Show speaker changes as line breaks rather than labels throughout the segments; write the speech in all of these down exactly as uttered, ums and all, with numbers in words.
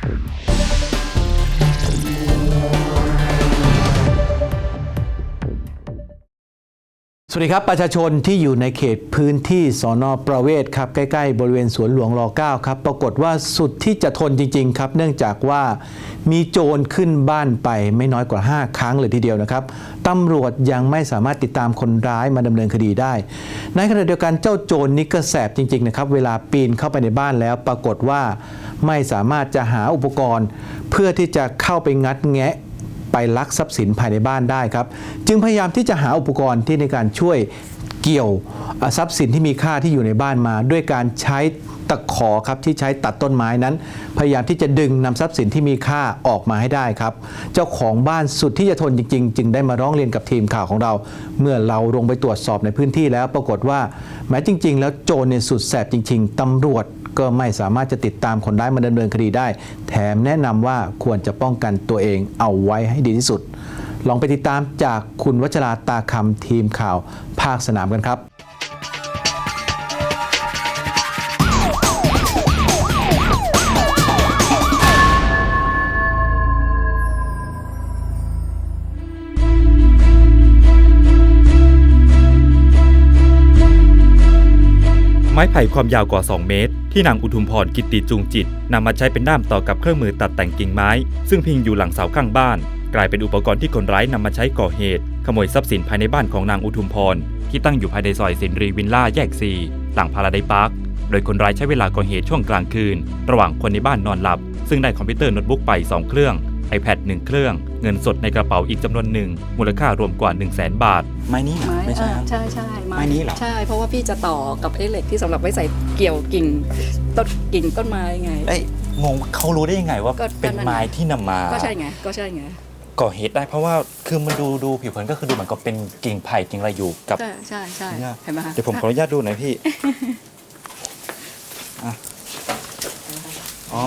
สวัสดีครับประชาชนที่อยู่ในเขตพื้นที่สน.ประเวศครับใกล้ๆบริเวณสวนหลวงร เก้า ครับปรากฏว่าสุดที่จะทนจริงๆครับเนื่องจากว่ามีโจรขึ้นบ้านไปไม่น้อยกว่าห้าครั้งเลยทีเดียวนะครับตำรวจยังไม่สามารถติดตามคนร้ายมาดำเนินคดีได้ในขณะเดียวกันเจ้าโจรนี่ก็แสบจริงๆนะครับเวลาปีนเข้าไปในบ้านแล้วปรากฏว่าไม่สามารถจะหาอุปกรณ์เพื่อที่จะเข้าไปงัดแงะไปลักทรัพย์สินภายในบ้านได้ครับจึงพยายามที่จะหาอุปกรณ์ที่ในการช่วยเกี่ยวทรัพย์สินที่มีค่าที่อยู่ในบ้านมาด้วยการใช้ตะขอครับที่ใช้ตัดต้นไม้นั้นพยายามที่จะดึงนำทรัพย์สินที่มีค่าออกมาให้ได้ครับเจ้าของบ้านสุดที่จะทนจริงๆจึงได้มาร้องเรียนกับทีมข่าวของเราเมื่อเราลงไปตรวจสอบในพื้นที่แล้วปรากฏว่าแม้จริงๆแล้วโจรเนี่ยสุดแสบจริงๆตำรวจก็ไม่สามารถจะติดตามคนร้ายมาดำเนินคดีได้แถมแนะนำว่าควรจะป้องกันตัวเองเอาไว้ให้ดีที่สุดลองไปติดตามจากคุณวัชราตาคำทีมข่าวภาคสนามกันครับ
ไม้ไผ่ความยาวกว่าสองเมตรที่นางอุทุมพรกิตติจูงจิตนำมาใช้เป็นด้ามต่อกับเครื่องมือตัดแต่งกิ่งไม้ซึ่งพิงอยู่หลังเสาข้างบ้านกลายเป็นอุปกรณ์ที่คนร้ายนำมาใช้ก่อเหตุขโมยทรัพย์สินภายในบ้านของนางอุทุมพรที่ตั้งอยู่ภายในซอยสินรีวิลล่าแยกสี่หลังพาราไดซ์พาร์คโดยคนร้ายใช้เวลาก่อเหตุช่วงกลางคืนระหว่างคนในบ้านนอนหลับซึ่งได้คอมพิวเตอร์โน้ตบุ๊กไปสองเครื่อง iPad หนึ่งเครื่องเงินสดในกระเป๋าอีกจำนวนหนึ่งมูลค่ารวมกว่า หนึ่งแสน บาท
ไม้นี้เหรอไม่ใช่
ใช่ใช่
ไม้นี้เหรอ
ใช่เพราะว่าพี่จะต่อกับไอ้เหล็กที่สำหรับไว้ใส่เกี่ยวกิ่งต้นกิ่งต้นไม้ไง
ไอ้งงเขารู้ได้ยังไงว่าเป็นไม้ที่นำมา
ก็ใช่ไงก็ใช่ไง
ก่อเหตุได้เพราะว่าคือมันดูดูผิวเผินก็คือดูเหมือนกับเป็นกิ่งไผ่กิ่งอะไรอยู่กับ
ใช่ใช่ใช่เห็นไหมคะ
เดี๋ยวผมขออนุญาตดูหน่อยพี่อ๋อ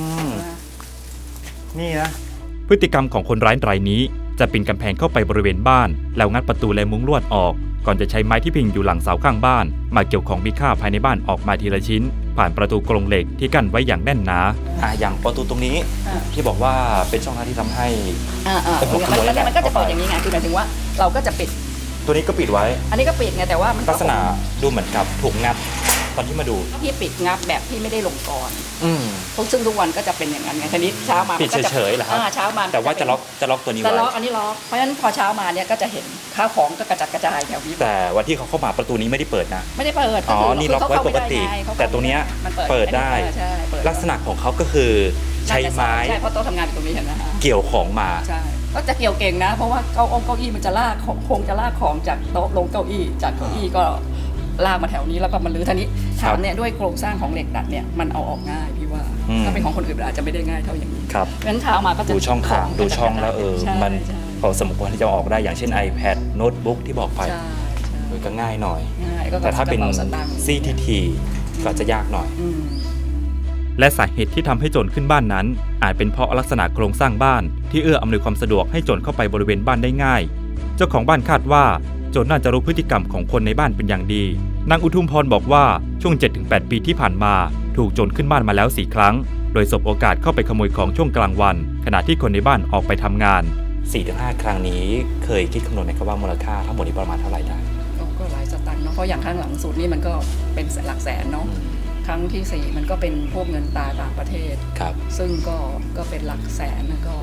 นี่นะ
พฤติกรรมของคนร้ายรายนี้จะปีนกำแพงเข้าไปบริเวณบ้านแล้วงัดประตูและมุ้งลวดออกก่อนจะใช้ไม้ที่พิงอยู่หลังเสาข้างบ้านมาเกี่ยวของมีค่าภายในบ้านออกมาทีละชิ้นผ่านประตูกรงเหล็กที่กั้นไว้อย่างแน่นหนา
อ่าอย่างประตูตรงนี้ที่บอกว่าเป็นช่องทางที่ทำให้
อ่าอ่ามันก็จะเปิดอย่างนี้ไงคือหมายถึงว่าเราก็จะปิด
ตัวนี้ก็ปิดไว้
อันนี้ก็ปิดไงแต่ว่ามัน
ลักษณะดูเหมือนกับถูกงัดตอนที่มาดู
พี่ปิดงับแบบที่ไม่ได้ลงกรอืมทุกซึ่งทุกวันก็จะเป็นอย่างนั้นไงทีนี้เช้ามา
ปิดเฉยๆเหรอครับ
เช้ามา
แต่ว่าจะล็อกจะล็อกตัวนี้ไว้
จะล็อกอันนี้ล็อกเพราะฉะนั้นพอเช้ามาเนี่ยก็จะเห็นข้าวของก็กระจัดกระจายแถวนี้
แต่วันที่เขาเข้ามาประตูนี้ไม่ได้เปิดนะ
ไม่ได้เปิด
อ๋อนี่ล็อกไว้ปกติแต่ตรงนี้เปิดได้ลักษณะของเขาก็คือใช้ไม้
ใช่เพราะโต๊ะทำงานตรงนี้เห็นไหม
เกี่ยวของมา
ใช่ก็จะเกี่ยวเก่งนะเพราะว่าเก้าองเก้าอี้มันจะลากของคงจะลากของจากโต๊ะลงเก้าอี้จากเก้าอี้ก็ลากมาแถวนี้แล้วก็มาลื้อท่านี้ถามเนี่ยด้วยโครงสร้างของเหล็กดัดเนี่ยมันเอาออกง่ายพี่ว่าถ้าเป็นของคนอื่นอาจจะไม่ได้ง่ายเท่าอย่างนี้
ครับ
งั้นเช้ามาก็จะ
ดูช่องทางดูช่องแล้วเออมันพอสมควรที่จะออกได้อย่างเช่น iPad โน้ตบุ๊กที่บอกไปก็ง่ายหน่อยแต่ถ้าเป็น ซี ที ที ก็จะยากหน่อย
และสาเหตุที่ทำให้โจรขึ้นบ้านนั้นอาจเป็นเพราะลักษณะโครงสร้างบ้านที่เอื้ออำนวยความสะดวกให้โจรเข้าไปบริเวณบ้านได้ง่ายเจ้าของบ้านคาดว่าโจรน่าจะรู้พฤติกรรมของคนในบ้านเป็นอย่างดีนางอุทุมพรบอกว่าช่วง เจ็ดถึงแปด ปีที่ผ่านมาถูกโจรขึ้นบ้านมาแล้วสี่ครั้งโดยสบโอกาสเข้าไปขโมยของช่วงกลางวันขณะที่คนในบ้านออกไปทำงาน
สี่ถึงห้า ครั้งนี้เคยคิดคำนวณไหมครับว่ามูลค่าทั้งหมดนี้ประมาณเท่าไหร่ได้
ก็หลายสตางค์เนาะเพราะอย่างครั้งหลังสุดนี่มันก็เป็นหลักแสนเนาะครั้งที่สี่มันก็เป็นพวกเงินตราต่างประเทศ
ครับ
ซึ่งก็ก็เป็นหลักแสนนะก็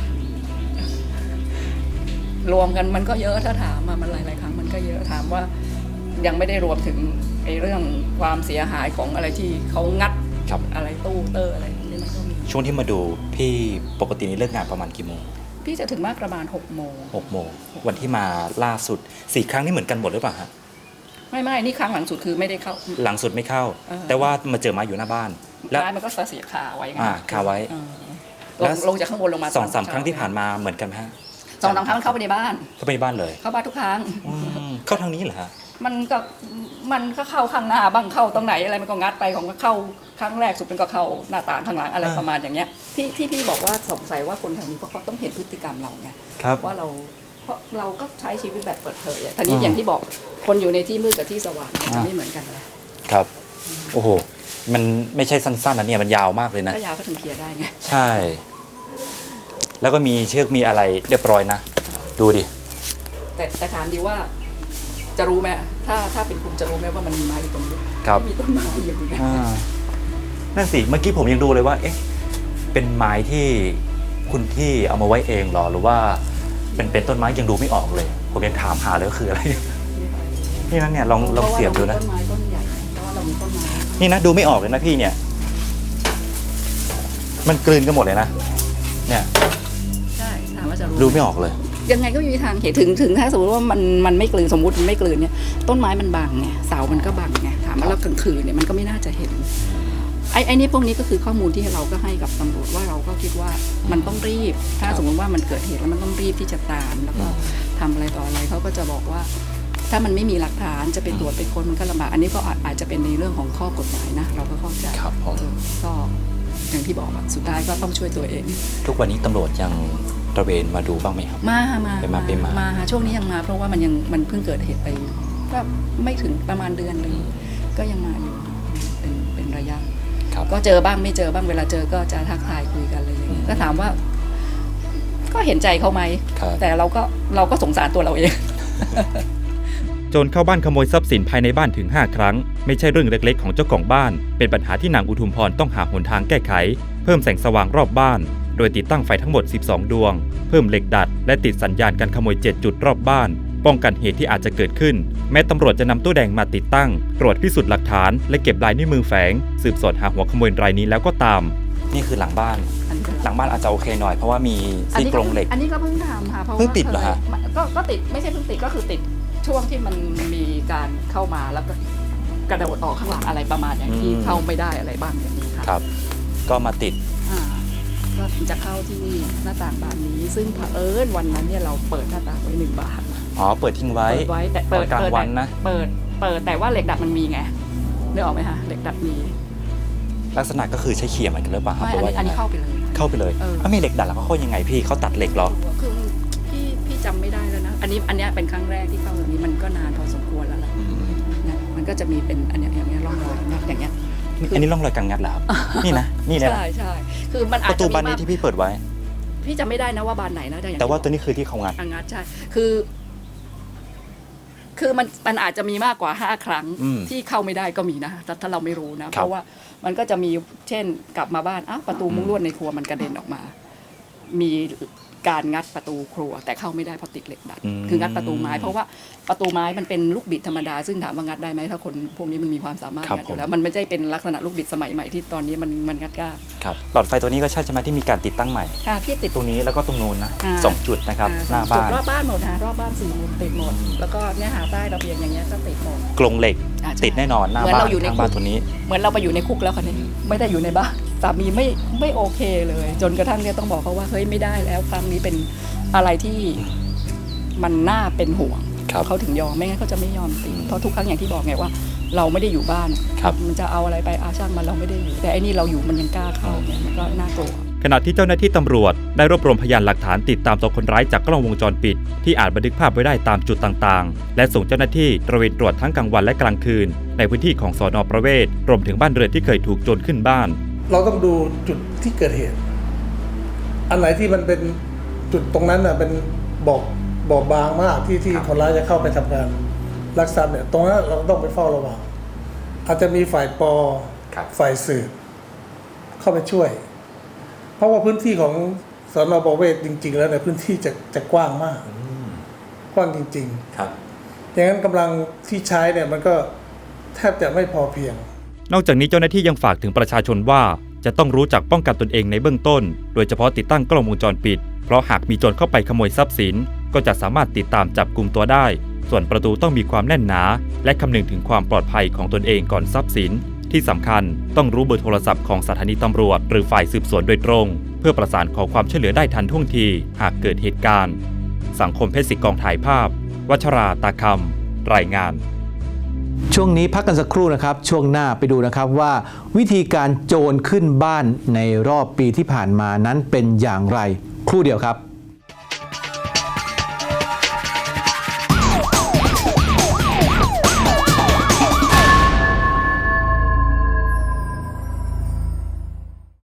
รวมกันมันก็เยอะถ้าถามมามันหลายๆครั้งมันก็เยอะถามว่ายังไม่ได้รวมถึงไอ้เรื่องความเสียหายของอะไรที่เขางัดอะไรตู้เตอร์อะไรนี่มันก็มี
ช่วงที่มาดูพี่ปกตินี้เลิกงานประมาณกี่โมง
พี่จะถึงมากประมาณหกโมง
หกโมงวันที่มาล่าสุดสี่ครั้งนี่เหมือนกันหมดหรือเปล่าฮะ
ไม่ไม่นี่ครั้งหลังสุดคือไม่ได้เข้า
หลังสุดไม่เข้าแต่ว่ามาเจอมาอยู่หน้าบ้าน
แล้วมันก็เสียขาไว้ไง
อ่าขาไว้
แล้วลงจากข้างบนลงมา
สองสามครั้งที่ผ่านมาเหมือนกันไหมฮะ
สองสามครั้งเข้าไปในบ้าน
เข้าไปในบ้านเลย
เข้าบ้านทุกครั้ง
เข้าทางนี้เหรอฮะ
มันก็มันก็เข้าข้างหน้าบ้างเข้าตรงไหนอะไรมันก็งัดไปของก็เข้าครั้งแรกสุดมันก็เข้าหน้าต่างข้างหลังอะไรประมาณอย่างเงี้ยที่ที่พี่บอกว่าสงสัยว่าคนแถวนี้เพราะเขาต้องเห็นพฤติกรรมเราไงว่าเราเพราะเราก็ใช้ชีวิตแบบเปิดเผยทีนี้อย่างที่บอกคนอยู่ในที่มืดกับที่สว่างมันไม่เหมือนกันเลย
ครับโอ้โหมันไม่ใช่สั้นๆนะเนี่ยมันยาวมากเลยนะ
ถ้ายาวก็ถึงเคลียร์ได้ไง
ใช่ แล้วก็มีเชือกมีอะไรเรียบร้อยนะดูดิ
แต่แต่ถามดีว่าจะรู้ไหมถ้าถ้าเป็นคุณจะรู้ไหมว่ามันมีไม้อยู่ตรงนี้
ครับ
มีต้นไม้อยู่ตรงนี้
อ่านั่นสิเมื่อกี้ผมยังดูเลยว่าเอ๊ะเป็นไม้ที่คุณพี่เอามาไว้เองเหรอหรือว่าเป็นเป็นต้นไม้ยังดูไม่ออกเลย ผมยังถามหาเลยว่าคืออะไร นี่นะเนี่ยลองลองเสียบดูนะ
ต้นไม้ต้นใหญ่เพราะว่าเรามีต้นไม้
นี่นะดูไม่ออกเลยนะพี่เนี่ย มันกลืนกันหมดเลยนะเนี่ย
ใช่ถามว่าจะรู้
ดูไม่ออกเลย
ยังไงก็ไม่มีทางเห็นถึงถึงถ้าสมมติว่ามันมันไม่กลืนสมมติมันไม่กลืนเนี่ยต้นไม้มันบังไงเสามันก็บังไงถามว่าเรากลางคืนเนี่ยมันก็ไม่น่าจะเห็นไอ้ไอ้นี่พวกนี้ก็คือข้อมูลที่เราก็ให้กับตำรวจว่าเราก็คิดว่ามันต้องรีบ ถ้าสมมติว่ามันเกิดเหตุแล้วมันต้องรีบที่จะตามแล้วก็ทำอะไรต่ออะไรเขาก็จะบอกว่า ถ้ามันไม่มีหลักฐานจะไปตรวจไปค้นมันก็ลำบากอันนี้ก็อาจจะเป็นในเรื่องของข้อกฎหมายนะเราก็เข้าใจ
ครับผม
เออก็อย่างที่บอกอะสุดท้ายก็ต้องช่วยตัวเอง
ทุกวันนี้ตำรวจยังตระเวนมาดูบ้างไหมครับ
มามา
ไปมาไปมา
มาช่วงนี้ยังมา เพราะว่ามันยังมันเพิ่งเกิดเหตุไปก็ไม่ถึงประมาณเดือนหนึงก็ยังมาอยู่เป็นเป็นระยะ
ครับ
ก็เจอบ้างไม่เจอบ้างเวลาเจอก็จะทักทายคุยกันอะไรอย่างเงี้ยก็ถามว่า ก็เห็นใจเขาไหม
ครับ
แต่เราก็เราก็สงสารตัวเราเอง
โจรเข้าบ้านขโมยทรัพย์สินภายในบ้านถึงห้าครั้งไม่ใช่เรื่องเล็กๆของเจ้าของบ้านเป็นปัญหาที่นางอุทุมพรต้องหาหนทางแก้ไขเพิ่มแสงสว่างรอบบ้านโดยติดตั้งไฟทั้งหมดสิบสองดวงเพิ่มเหล็กดัดและติดสัญญาณการขโมยเจ็ดจุดรอบบ้านป้องกันเหตุที่อาจจะเกิดขึ้นแม้ตำรวจจะนำตู้แดงมาติดตั้งตรวจพิสูจน์หลักฐานและเก็บลายนิ้วมือแฝงสืบสวนหาหัวขโมยรายนี้แล้วก็ตาม
นี่คือหลังบ้าน หลังบ้านอาจจะโอเคหน่อยเพราะว่ามีซี่กรงเหล็ก
อันนี้ก็เพิ่งทำค่ะเพราะว่า
เพิ่งติดเหรอฮะ
คยก็ก็ติดไม่ใช่เพิ่งติดก็คือติดช่วงที่มันมีการเข้ามาแล้วก็กระโดดออกข้างหลังอะไรประมาณอย่างที่เข้าไม่ได้อะไรบ้างอย่างนี้ค่ะ
ครับ ก็มาติด
อ่าก็จะเข้าที่หน้าต่างบานนี้ ซึ่งเผอิญวันนั้นเนี่ยเราเปิดหน้าต่างไว้หนึ่งบาน
อ๋อเปิดทิ้งไว้
เปิดไว้แต่เปิด
กลาง
เปิด
วันนะ
เปิดเปิดแต่ว่าเหล็กดัดมันมีไงนึกออกไหมคะเหล็กดัดมี
ลักษณะก็คือใช้เขี่ยมันกันหรือเปล่าครับ
ไม่
หรื
อั
อน ว่า
นี้อันนี้
ยังไง
เข้าไปเลย
เข้าไปเลย
เออ
อ้าวมีเหล็กดัดแล้วเขาเข้ายังไงพี่เขาตัดเหล็กเหรอ
คือพี่พี่จำไม่ได้แล้วนะอันนี้อันเนี้ยเป็นครั้งแรกที่เข้าแบบนี้มันก็นานพอสมควรแล้วล่ะ
อืม
เนี่ยมันก็จะมีเป็นอันเนี้ยอย่างเงี้ยร่องรอยนะอย่างเงี้ย
อันนี้ร่องรอยการงัดเหรอครับ นี่นะนี่เนี่ยนะ
ใช่ใช่คือมันอา
ป
จ
ระ
จะ
ตู
มี
บานนี้
มาก
ที่พี่เปิดไว้
พี่จำไม่ได้นะว่าบานไหนนะอย่าง
แต่ว่า
ที่
ตัวนี้คือที่เขางัด
อังงัดใช่ คือ คือมันมันอาจจะมีมากกว่าห้าครั้ง
อืม
ที่เข้าไม่ได้ก็มีนะแต่ถ้าเราไม่รู้นะ เพราะว่ามันก็จะมีเช่นกลับมาบ้านอ้าวประตูมุ้งลวดในครัวมันกระเด็นออกมา มีการงัดประตูครัว แต่เข้าไม่ได้เพราะติดเหล็กดัด
ม
คืองัดประตูไม้ เพราะว่าประตูไม้มันเป็นลูกบิดธรรมดาซึ่งถามว่างัดได้ไหมถ้าคนพวกนี้มันมีความสามารถ
ครับ
งัดอยู่แล้วมันไม่ใช่เป็นลักษณะลูกบิดสมัยใหม่ที่ตอนนี้มันมันงัดยาก
ครับหลอดไฟตัวนี้ก็ใช่ใช่ไหมที่มีการติดตั้งใหม่
ค่ะพี่ติด
ตรงนี้แล้วก็ตรงนู้นนะ
อ่า
สองจุดนะครับ
อ่
หน้า
จุด
บ้าน
รอบบ้านหมดนะรอบบ้านสี่มุมติดหมด แล้วก็เนี่ยหาใต้ระเบียงอย่างเงี้ยก็ติดหมด
กรงเหล็ก
อ่าใช่
ติดแน่นอนหน้า
เหมือน
บ้าน
เราอยู่ใน
ข้างบ้าน
คุก
ตัวนี้
เหมือนเราไปอยู่ในคุกแล้วค่ะเนี่ยไม่ได้อยู่ในบ้านสามีไม่ไม่โอเคเลย จนกระทั่งเนี่ยต้องบอกเขาว่าเฮ้ยไม่ได้แล้วครั้งนี้เป็นอะไรที่มันน่าเป็นห่วง
ครับ
เขาถึงยอมไม่งั้นเขาจะไม่ยอมติด
อืม
เพราะทุกครั้งอย่างที่บอกไงว่า เราไม่ได้อยู่บ้าน
ครับ
มันจะเอาอะไรไปอาช่างมันเราไม่ได้อยู่ แต่ไอ้นี่เราอยู่มันยังกล้าเข้าเนี่ยมันก็น่ากลัว
ขณะที่เจ้าหน้าที่ตำรวจได้รวบรวมพยานหลักฐานติดตามตัวคนร้ายจากกล้องวงจรปิด ที่อาจบันทึกภาพไว้ได้ตามจุดต่างๆ และส่งเจ้าหน้าที่ตระเวนตรวจทั้งกลางวันและกลางคืน ในพื้นที่ของสน.ประเวศรวมถึงบ้านเรือนที่เคยถูกโจรขึ้นบ้าน
เราต้องดูจุดที่เกิดเหตุ อันไหนที่มันเป็นจุดตรงนั้นน่ะเป็นบอกบอกบางมากที่ที่คนร้ายจะเข้าไปทำงานลักทรัพย์เนี่ยตรงนั้นเราต้องไปเฝ้าระวังอาจจะมีฝ่ายปอ
ครับ
ฝ่ายสืบเข้าไปช่วย เพราะว่าพื้นที่ของสน.ประเวศจริง ๆ แล้วในยพื้นที่จะจะกว้างมาก กว้างจริง
ครับ
ๆอย่างนั้นกำลังที่ใช้เนี่ยมันก็แทบจะไม่พอเพียง
นอกจากนี้เจ้าหน้าที่ยังฝากถึงประชาชนว่าจะต้องรู้จักป้องกันตนเองในเบื้องต้น โดยเฉพาะติดตั้งกล้องวงจรปิด เพราะหากมีโจรเข้าไปขโมยทรัพย์สิน ก็จะสามารถติดตามจับกลุ่มตัวได้ ส่วนประตูต้องมีความแน่นหนา และคำนึงถึงความปลอดภัยของตนเองก่อนทรัพย์สิน ที่สำคัญต้องรู้เบอร์โทรศัพท์ของสถานีตำรวจหรือฝ่ายสืบสวนโดยตรง เพื่อประสานขอความช่วยเหลือได้ทันท่วงทีหากเกิดเหตุการณ์ สังคมเพชรศิกองถ่ายภาพ วัชราตาคำรายงาน
ช่วงนี้พักกันสักครู่นะครับ ช่วงหน้าไปดูนะครับว่า วิธีการโจรขึ้นบ้านในรอบปีที่ผ่านมานั้นเป็นอย่างไร ครู่เดียวครับ